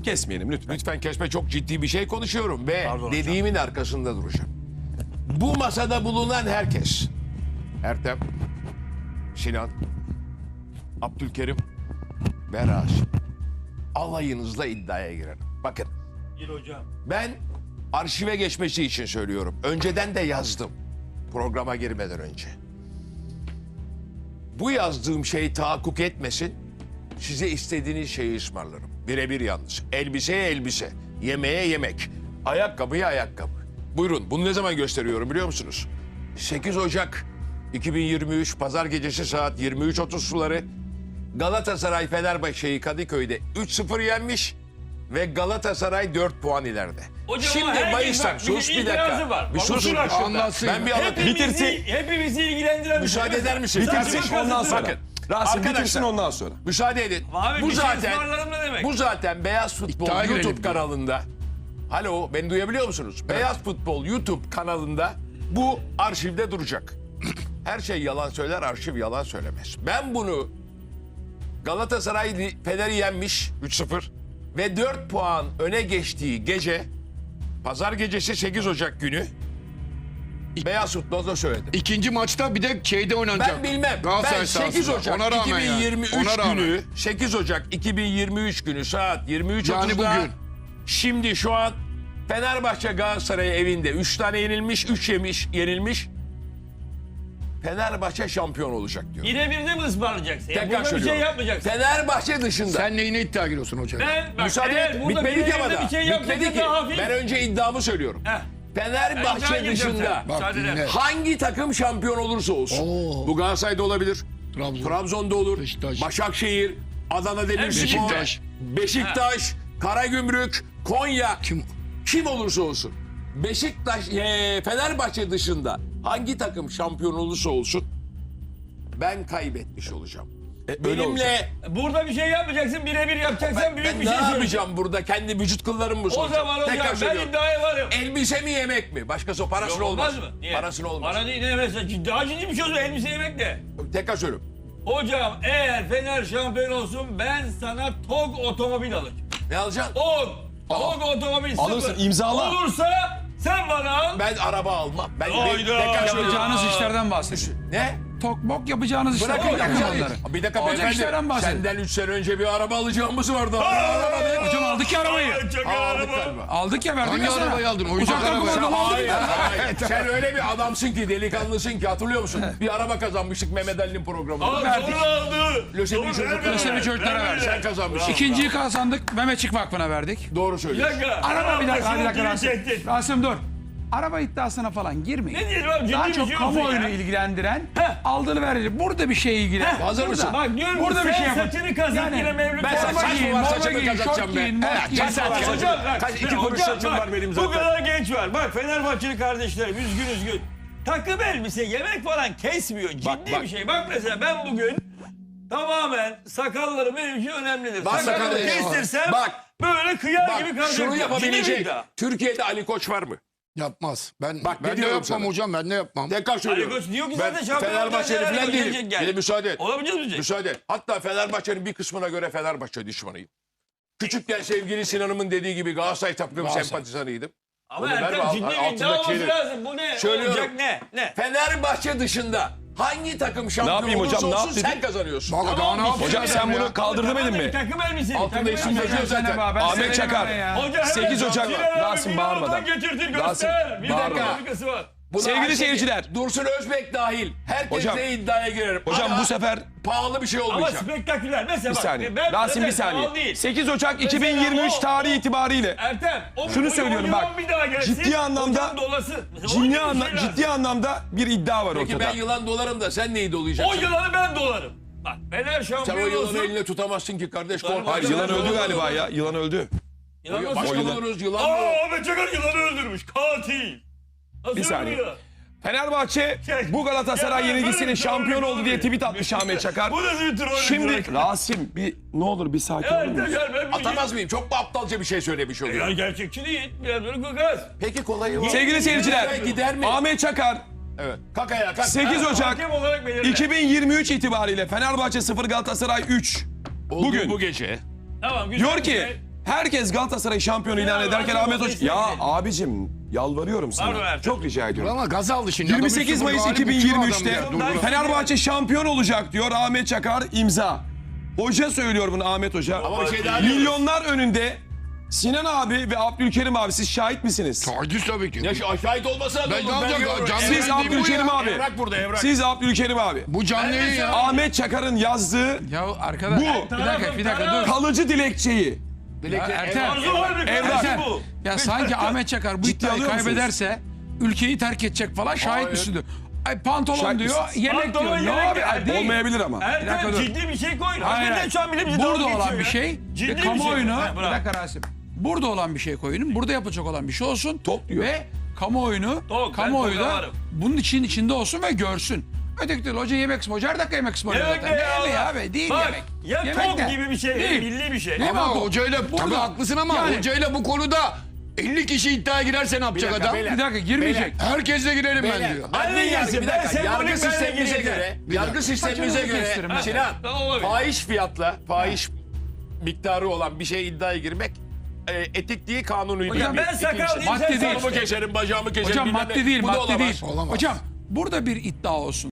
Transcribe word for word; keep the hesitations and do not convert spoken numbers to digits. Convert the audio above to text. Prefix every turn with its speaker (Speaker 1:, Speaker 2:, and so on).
Speaker 1: Rasim kesmeyelim lütfen.
Speaker 2: Lütfen kesme, çok ciddi bir şey konuşuyorum ve
Speaker 3: Pardon
Speaker 2: dediğimin arkasında duracağım. Bu masada bulunan herkes, Ertem, Sinan, Abdülkerim ve Rasim, alayınızla iddiaya girerim. Bakın,
Speaker 3: Gir hocam.
Speaker 2: ben arşive geçmesi için söylüyorum. Önceden de yazdım, programa girmeden önce. Bu yazdığım şey tahakkuk etmesin, size istediğiniz şeyi ısmarlarım. Birebir yalnız. Elbiseye elbise, yemeğe yemek, ayakkabıya ayakkabı. Buyurun, bunu ne zaman gösteriyorum biliyor musunuz? sekiz Ocak iki bin yirmi üç Pazar gecesi saat yirmi üç otuz suları Galatasaray Fenerbahçe'yi Kadıköy'de üç sıfır yenmiş ve Galatasaray dört puan ileride.
Speaker 3: Hocam
Speaker 2: Şimdi
Speaker 3: ama herkes
Speaker 2: Mayıs'tan,
Speaker 3: bak,
Speaker 2: sus
Speaker 3: bir
Speaker 2: bir
Speaker 3: itirazı
Speaker 2: dakika.
Speaker 3: var.
Speaker 2: Bir
Speaker 3: Bak,
Speaker 2: susun.
Speaker 3: otur şurada.
Speaker 2: Anlatsın. Ben bir anlatayım.
Speaker 3: Hepimizi, hepimizi ilgilendiren bir şey.
Speaker 2: Müsaade eder misiniz?
Speaker 1: Bitirsin ondan sonra.
Speaker 2: Bakın,
Speaker 1: Rasim
Speaker 2: arkadaşlar,
Speaker 1: bitirsin ondan sonra.
Speaker 2: Müsaade edin.
Speaker 3: Abi
Speaker 2: bu
Speaker 3: bir şey
Speaker 2: zaten
Speaker 3: ısmarlarım ne demek?
Speaker 2: bu zaten Beyaz Futbol
Speaker 4: İddiaya
Speaker 2: YouTube
Speaker 4: girelim.
Speaker 2: kanalında. Alo, beni duyabiliyor musunuz? Beyaz Futbol YouTube kanalında bu arşivde duracak. Her şey yalan söyler, arşiv yalan söylemez. Ben bunu Galatasaray Fener'i yenmiş üç sıfır ve dört puan öne geçtiği gece, Pazar gecesi sekiz Ocak günü Beyaz Futbol'da söyledim.
Speaker 4: İkinci maçta bir de şeyde oynanacak.
Speaker 2: Ben bilmem.
Speaker 4: Galatasaray
Speaker 2: Ben sekiz
Speaker 4: sahasında.
Speaker 2: Ocak
Speaker 4: Ona rağmen yani.
Speaker 2: iki bin yirmi üç
Speaker 4: Ona rağmen.
Speaker 2: günü sekiz Ocak iki bin yirmi üç günü saat yirmi üç
Speaker 4: Yani
Speaker 2: otuzda
Speaker 4: bugün.
Speaker 2: şimdi şu an Fenerbahçe Galatasaray evinde üç tane yenilmiş, üç yemiş, yenilmiş. Fenerbahçe şampiyon olacak diyor.
Speaker 3: Yine bir de mi ısmarlayacaksın? Ya
Speaker 2: Tekrar
Speaker 3: burada bir şey
Speaker 2: söylüyorum.
Speaker 3: yapmayacaksın.
Speaker 2: Fenerbahçe dışında.
Speaker 4: Sen neyine iddia giriyorsun hocam?
Speaker 3: Ben bak
Speaker 2: Müsaade
Speaker 3: eğer
Speaker 2: et.
Speaker 3: burada
Speaker 2: Bitmedi ki ama
Speaker 3: birilerinde
Speaker 2: da.
Speaker 3: bir şey
Speaker 2: Bitmedi
Speaker 3: yapacaksa
Speaker 2: ki.
Speaker 3: daha hafif.
Speaker 2: Ben önce iddiamı söylüyorum.
Speaker 3: Heh. Ben
Speaker 2: Fenerbahçe
Speaker 3: iddia gireceğim
Speaker 2: dışında
Speaker 3: sen.
Speaker 4: Bak
Speaker 3: Müsaade
Speaker 4: dinle.
Speaker 3: eder.
Speaker 2: hangi takım şampiyon olursa olsun.
Speaker 4: Oo.
Speaker 2: Bu Galatasaray'da olabilir.
Speaker 4: Trabzon.
Speaker 2: Trabzon'da olur.
Speaker 4: Beşiktaş.
Speaker 2: Başakşehir, Adana Demirspor,
Speaker 4: Beşiktaş.
Speaker 2: Beşiktaş, Karagümrük, Konya.
Speaker 4: Kim?
Speaker 2: Kim olursa olsun. Beşiktaş, e, Fenerbahçe dışında hangi takım şampiyon olursa olsun ben kaybetmiş olacağım.
Speaker 1: E, öyle
Speaker 2: Benimle
Speaker 3: Burada bir şey yapmayacaksın, birebir yapacaksan
Speaker 2: ben,
Speaker 3: büyük
Speaker 2: ben
Speaker 3: bir
Speaker 2: ne
Speaker 3: şey söyleyeceğim.
Speaker 2: yapacağım burada? Kendi vücut kıllarımı mı
Speaker 3: O
Speaker 2: soracağım?
Speaker 3: zaman hocam ben
Speaker 2: söylüyorum.
Speaker 3: iddiaya varım.
Speaker 2: Elbise mi yemek mi? Başkası parasını
Speaker 3: Yok,
Speaker 2: olmaz.
Speaker 3: mı? Niye?
Speaker 2: Parasını olmaz.
Speaker 3: Para değil ne mesela ciddi, daha ciddi bir şey olsun elbise yemek de.
Speaker 2: Tekrar söylüyorum.
Speaker 3: Hocam eğer Fener şampiyon olsun ben sana T O G otomobil alacağım.
Speaker 2: Ne alacaksın?
Speaker 3: T O G. T O G otomobil
Speaker 1: Alırsın,
Speaker 3: sıfır.
Speaker 1: imzala.
Speaker 3: Olursa sen bana al.
Speaker 2: Ben araba almam. Ben
Speaker 3: Hayda.
Speaker 2: tekrar söylüyorum.
Speaker 5: Yapacağınız işlerden bahsedin.
Speaker 2: Ne?
Speaker 5: Tokmok yapacağınız işler.
Speaker 2: Bırakın
Speaker 5: Bırakın
Speaker 2: yapacağınız.
Speaker 5: onları.
Speaker 2: Bir dakika
Speaker 5: Olacak
Speaker 2: beyefendi.
Speaker 5: işlerden bahsedin.
Speaker 2: Senden üç sene önce bir araba alacağımız vardı. Araba değil.
Speaker 5: Hocam aldık ya arabayı.
Speaker 3: Çakal
Speaker 2: Aldık
Speaker 3: araba.
Speaker 2: galiba.
Speaker 5: Aldık ya verdik
Speaker 4: Hangi
Speaker 5: ya sana.
Speaker 4: arabayı aldın? Oyuncak
Speaker 5: Uzaktan
Speaker 4: arabayı.
Speaker 5: kumandalı aldık
Speaker 2: Hayır,
Speaker 5: ya.
Speaker 2: hayır. Sen öyle bir adamsın ki, delikanlısın ki, hatırlıyor musun? Bir araba kazanmıştık Mehmet Ali'nin programında.
Speaker 3: Al
Speaker 5: Verdik.
Speaker 3: sonra aldı.
Speaker 2: Lösemi
Speaker 3: Doğru,
Speaker 2: çocuklara
Speaker 3: vermedi.
Speaker 5: Lösemi çocuklara
Speaker 3: Vermedi.
Speaker 5: verdik.
Speaker 2: Sen kazanmışsın.
Speaker 5: İkinciyi kazandık. Mehmetçik Vakfı'na verdik.
Speaker 2: Doğru
Speaker 3: Bir
Speaker 2: söylüyorsun.
Speaker 3: dakika.
Speaker 5: Araba bir dakika. Bir dakika
Speaker 3: Rasim.
Speaker 5: Rasim. Rasim dur. Araba iddiasına falan girmeyin.
Speaker 3: Ne diyelim abi ciddi
Speaker 5: Daha
Speaker 3: bir
Speaker 5: çok
Speaker 3: şey olsun
Speaker 5: kamuoyunu
Speaker 3: ya.
Speaker 5: ilgilendiren
Speaker 3: Heh.
Speaker 5: aldığını verici. Burada bir şey ilgilen.
Speaker 2: Hazır mısın?
Speaker 3: Bak diyorum
Speaker 5: Burada
Speaker 3: ki
Speaker 5: bir
Speaker 3: sen
Speaker 5: şey yapın.
Speaker 3: saçını kazık
Speaker 5: Yani
Speaker 3: yine Mevlüt.
Speaker 2: ben
Speaker 3: Forma
Speaker 2: saç mı
Speaker 3: giyin,
Speaker 2: var,
Speaker 3: forma
Speaker 2: saçımı
Speaker 3: giyin,
Speaker 2: kazatacağım
Speaker 5: şort
Speaker 2: ben.
Speaker 5: giyin, mont
Speaker 2: Evet,
Speaker 5: giyin.
Speaker 2: kaç saat var
Speaker 3: Hocam
Speaker 2: saçım?
Speaker 3: bak,
Speaker 2: Kaç, iki
Speaker 3: hocam
Speaker 2: kuruş saçım
Speaker 3: bak,
Speaker 2: var benim
Speaker 3: Bu
Speaker 2: zaten.
Speaker 3: kadar genç var. Bak Fenerbahçeli kardeşlerim üzgün üzgün. Takım elbise yemek falan kesmiyor. Ciddi
Speaker 2: Bak, bak.
Speaker 3: bir şey. Bak mesela ben bugün tamamen sakallarım benim için önemlidir.
Speaker 2: Bak,
Speaker 3: Sakalımı
Speaker 2: sakalı-
Speaker 3: kestirsem
Speaker 2: Bak.
Speaker 3: böyle kıyar
Speaker 2: Bak
Speaker 3: gibi kalacak.
Speaker 2: şunu
Speaker 3: Ciddi bir
Speaker 2: yapabilecek.
Speaker 3: iddia.
Speaker 2: Türkiye'de Ali Koç var mı?
Speaker 4: Yapmaz. Ben
Speaker 2: Bak, ne
Speaker 4: ben de
Speaker 2: diyorum
Speaker 4: yapmam
Speaker 2: sana?
Speaker 4: hocam. Ben de yapmam.
Speaker 2: Tekrar söylüyorum.
Speaker 3: Ali Koç diyor ki
Speaker 2: Ben
Speaker 3: zaten şampiyon
Speaker 2: Fenerbahçeli
Speaker 3: olacak,
Speaker 2: falan
Speaker 3: gelecek,
Speaker 2: değilim.
Speaker 3: gel.
Speaker 2: Bir de müsaade et.
Speaker 3: Olabilecek mi?
Speaker 2: Müsaade et. Hatta Fenerbahçe'nin bir kısmına göre Fenerbahçe düşmanıyım. Küçükken sevgili Sinan'ımın dediği gibi Galatasaray takım sempatizanıydım.
Speaker 3: Ama
Speaker 2: Onu ver
Speaker 3: Ertem
Speaker 2: mi?
Speaker 3: ciddi bir
Speaker 2: Altındaki
Speaker 3: iddia olması
Speaker 2: şeyleri.
Speaker 3: lazım. Bu ne?
Speaker 2: Söylüyorum.
Speaker 3: Olacak ne? Ne?
Speaker 2: Fenerbahçe dışında hangi takım şampiyon
Speaker 1: yapayım
Speaker 2: olursa
Speaker 1: hocam, ne
Speaker 2: olsun
Speaker 1: yap
Speaker 2: sen
Speaker 1: dedin?
Speaker 2: kazanıyorsun.
Speaker 4: Bak daha ne yapacağım?
Speaker 1: Hocam sen bunu kaldır demedin mi?
Speaker 3: Takım elbiseli.
Speaker 2: Altında
Speaker 3: takım
Speaker 2: isim
Speaker 3: elbiseli.
Speaker 2: yazıyor zaten.
Speaker 5: Sen ben
Speaker 1: Ahmet
Speaker 5: seni
Speaker 1: Çakar.
Speaker 5: vermem ya.
Speaker 3: Hoca hemen
Speaker 1: sekiz Ocak
Speaker 3: Sinan
Speaker 1: var.
Speaker 3: abi
Speaker 1: Rasim
Speaker 3: bir
Speaker 1: bağırmadan.
Speaker 3: oradan getirtir
Speaker 1: Rasim,
Speaker 3: göster. Bir
Speaker 1: bağırmadan.
Speaker 3: dakika dakikası var.
Speaker 2: Buna
Speaker 1: Sevgili
Speaker 2: Ayşe-
Speaker 1: seyirciler.
Speaker 2: Dursun Özbek dahil. Herkesle
Speaker 1: Hocam-
Speaker 2: iddiaya girerim.
Speaker 1: Hocam
Speaker 2: Ama
Speaker 1: bu sefer
Speaker 2: pahalı bir şey
Speaker 3: Ama
Speaker 2: olmayacak.
Speaker 3: spektaküler. Mesela
Speaker 1: bir
Speaker 3: bak.
Speaker 1: saniye.
Speaker 3: Ben,
Speaker 1: Rasim bir
Speaker 3: evet, pahalı
Speaker 1: saniye.
Speaker 3: değil.
Speaker 1: sekiz Ocak iki bin
Speaker 3: Mesela
Speaker 1: yirmi üç
Speaker 3: o-
Speaker 1: tarihi itibariyle
Speaker 3: Ertem. O,
Speaker 1: Şunu
Speaker 3: o- o
Speaker 1: söylüyorum
Speaker 3: yılan
Speaker 1: bak,
Speaker 3: Bir daha gelsin,
Speaker 1: ciddi anlamda-
Speaker 3: hocam dolası. Mesela o
Speaker 1: ciddi,
Speaker 3: gibi bir
Speaker 1: anla-
Speaker 3: şey lazım.
Speaker 1: ciddi anlamda bir iddia var
Speaker 2: Peki
Speaker 1: ortada.
Speaker 2: ben yılan dolarım da sen neyi
Speaker 3: O
Speaker 2: dolayacaksın?
Speaker 3: yılanı ben dolarım. Bak Fener
Speaker 2: Sen o
Speaker 3: şampiyon
Speaker 2: yılanı
Speaker 3: olsun.
Speaker 2: eline tutamazsın ki kardeş.
Speaker 3: Tutarım.
Speaker 2: Korkma.
Speaker 1: Hayır yılan öldü galiba ya. Yılan öldü.
Speaker 3: Yılan nasıl
Speaker 2: Başka
Speaker 3: öldü?
Speaker 2: buluruz yılan mı?
Speaker 3: Aa Ahmet Çakar yılanı öldürmüş. Katil. Nasıl
Speaker 1: Bir saniye.
Speaker 3: öldürüyor?
Speaker 1: Fenerbahçe bu Galatasaray
Speaker 3: Ya ben-
Speaker 1: yenilgisinin
Speaker 3: ben-
Speaker 1: şampiyon
Speaker 3: ben-
Speaker 1: oldu diye tweet atmış Ahmet Çakar.
Speaker 3: Bu nasıl bir troll?
Speaker 1: Şimdi Rasim bir ne olur bir sakin olur
Speaker 3: Ertem
Speaker 1: musun?
Speaker 3: gel ben
Speaker 2: Atamaz mıyım? Çok mu aptalca bir şey söylemiş
Speaker 3: Ya
Speaker 2: oluyor?
Speaker 3: gerçekçi değil. Biraz böyle gagaz.
Speaker 2: Peki kolayı var.
Speaker 1: Sevgili seyirciler,
Speaker 2: Gider mi?
Speaker 1: Ahmet Çakar
Speaker 2: Evet. Kalk ayağa kalk.
Speaker 1: sekiz Ocak
Speaker 3: Hakem olarak belirle.
Speaker 1: iki bin yirmi üç itibariyle Fenerbahçe sıfır Galatasaray üç.
Speaker 2: Oldu
Speaker 1: bugün.
Speaker 2: bu gece.
Speaker 3: Tamam güzel.
Speaker 1: Diyor ki
Speaker 3: güzel.
Speaker 1: Herkes Galatasaray şampiyonu ilan
Speaker 3: Ya,
Speaker 1: ederken
Speaker 3: Ertem,
Speaker 1: Ahmet Hoca...
Speaker 3: kesin
Speaker 1: Ya
Speaker 3: değil.
Speaker 1: abicim yalvarıyorum
Speaker 3: Pardon
Speaker 1: sana.
Speaker 3: Ertem.
Speaker 1: Çok rica ediyorum.
Speaker 4: Ama gaz aldı şimdi.
Speaker 1: yirmi
Speaker 4: Adam
Speaker 1: sekiz
Speaker 4: üç sıfır
Speaker 1: Mayıs
Speaker 4: galip
Speaker 1: iki bin
Speaker 4: uçuyor
Speaker 1: yirmi
Speaker 4: adam
Speaker 1: üçte
Speaker 4: ya. Dur, dur.
Speaker 1: Fenerbahçe şampiyon olacak diyor Ahmet Çakar imza. Hoca söylüyor bunu Ahmet Hoca.
Speaker 2: Ama bir şey daha diyoruz.
Speaker 1: Milyonlar önünde Sinan abi ve Abdülkerim abi siz şahit misiniz?
Speaker 4: Taciz tabii ki.
Speaker 2: Ya şu şahit olmasa da
Speaker 4: Ben
Speaker 2: olur.
Speaker 4: ne yapacağım?
Speaker 2: görüyorum.
Speaker 4: Canlı
Speaker 2: Evrak
Speaker 1: Siz
Speaker 4: yayın değil bu
Speaker 1: Abdülkerim
Speaker 4: ya.
Speaker 1: abi.
Speaker 2: Evrak burada evrak.
Speaker 1: Siz Abdülkerim abi.
Speaker 4: Bu canlı yayın ya.
Speaker 1: Ahmet Çakar'ın yazdığı
Speaker 5: Ya arkadaş
Speaker 1: Bu.
Speaker 5: bir dakika bir dakika dur.
Speaker 1: kalıcı dilekçeyi.
Speaker 5: Ya Ertem,
Speaker 3: Arzu var mı?
Speaker 1: Evrak.
Speaker 3: Kardeşim
Speaker 5: Ertem,
Speaker 3: bu.
Speaker 5: ya sanki Ahmet Çakar bu
Speaker 1: Ciddi
Speaker 5: iddiayı
Speaker 1: alıyor musunuz?
Speaker 5: kaybederse ülkeyi terk edecek falan şahit
Speaker 2: Hayır.
Speaker 5: misin diyor. Ay pantolon
Speaker 1: Şahit
Speaker 5: diyor,
Speaker 1: misiniz?
Speaker 5: yemek
Speaker 3: Pantolon,
Speaker 5: diyor.
Speaker 3: yemek
Speaker 5: Ne abi?
Speaker 3: diyor.
Speaker 5: Ay, değil.
Speaker 1: Olmayabilir ama.
Speaker 5: Bir dakika
Speaker 3: Ertem
Speaker 5: dur.
Speaker 3: ciddi bir şey koyun.
Speaker 5: Hayır,
Speaker 3: Hakikaten
Speaker 5: hayır.
Speaker 3: şu an bile bize
Speaker 5: Burada
Speaker 3: dalga
Speaker 5: olan
Speaker 3: geçiyor
Speaker 5: bir
Speaker 3: ya.
Speaker 5: şey
Speaker 3: Ciddi
Speaker 5: ve
Speaker 3: bir şey.
Speaker 5: kamuoyunu
Speaker 3: Ha,
Speaker 5: bir
Speaker 3: bravo.
Speaker 5: dakika Rasim. Burada olan bir şey koyun. Burada yapılacak olan bir şey olsun.
Speaker 1: Top diyor.
Speaker 5: Ve kamuoyunu
Speaker 3: Tok, ben
Speaker 5: kamuoyu
Speaker 3: toka
Speaker 5: da
Speaker 3: varım.
Speaker 5: bunun için içinde olsun ve görsün. Öteki türlü hoca yemek ısmarlıyor. Her dakika yemek ısmarlıyor
Speaker 3: Yemek
Speaker 5: zaten.
Speaker 3: ne
Speaker 5: Ne
Speaker 3: ya?
Speaker 5: yemeği abi? Değil
Speaker 3: Bak,
Speaker 5: yemek.
Speaker 3: ya
Speaker 5: Yemek
Speaker 3: tok
Speaker 5: ne?
Speaker 3: gibi bir şey,
Speaker 5: Değil.
Speaker 3: milli bir şey.
Speaker 5: Değil mi
Speaker 4: Ama
Speaker 5: abi?
Speaker 4: hocayla
Speaker 5: Burada-
Speaker 4: tabii haklısın ama
Speaker 5: Yani-
Speaker 4: hocayla bu konuda elli kişi iddiaya girerse ne yapacak
Speaker 2: dakika,
Speaker 4: adam?
Speaker 2: beyler.
Speaker 5: Bir dakika girmeyecek.
Speaker 4: Herkesle girelim ben
Speaker 2: Beyler,
Speaker 4: diyor.
Speaker 3: Ben de
Speaker 2: adli yargı,
Speaker 3: girsin,
Speaker 2: bir
Speaker 3: ben
Speaker 2: dakika,
Speaker 3: sembolik
Speaker 2: yargı
Speaker 3: benle
Speaker 2: sistemimize
Speaker 3: gireceğim.
Speaker 2: göre,
Speaker 4: Bir
Speaker 2: yargı
Speaker 4: dakika.
Speaker 2: sistemimize
Speaker 5: Saçını
Speaker 2: göre,
Speaker 5: kestirim. Ha.
Speaker 2: Sinan,
Speaker 3: Tamam, olabilir.
Speaker 2: fahiş fiyatla, fahiş miktarı olan bir şeye iddiaya girmek e, etik değil, kanuni değil.
Speaker 3: Hocam ben sakal
Speaker 2: İkincisi,
Speaker 3: diyeyim
Speaker 5: Madde
Speaker 3: sen
Speaker 5: değil.
Speaker 2: Kolumu keserim, bacağımı keserim.
Speaker 5: Hocam
Speaker 2: bilmem
Speaker 5: madde
Speaker 2: ne.
Speaker 5: değil,
Speaker 2: Bu da
Speaker 5: madde
Speaker 2: olamaz.
Speaker 5: değil.
Speaker 4: Olamaz.
Speaker 5: Hocam burada bir iddia olsun.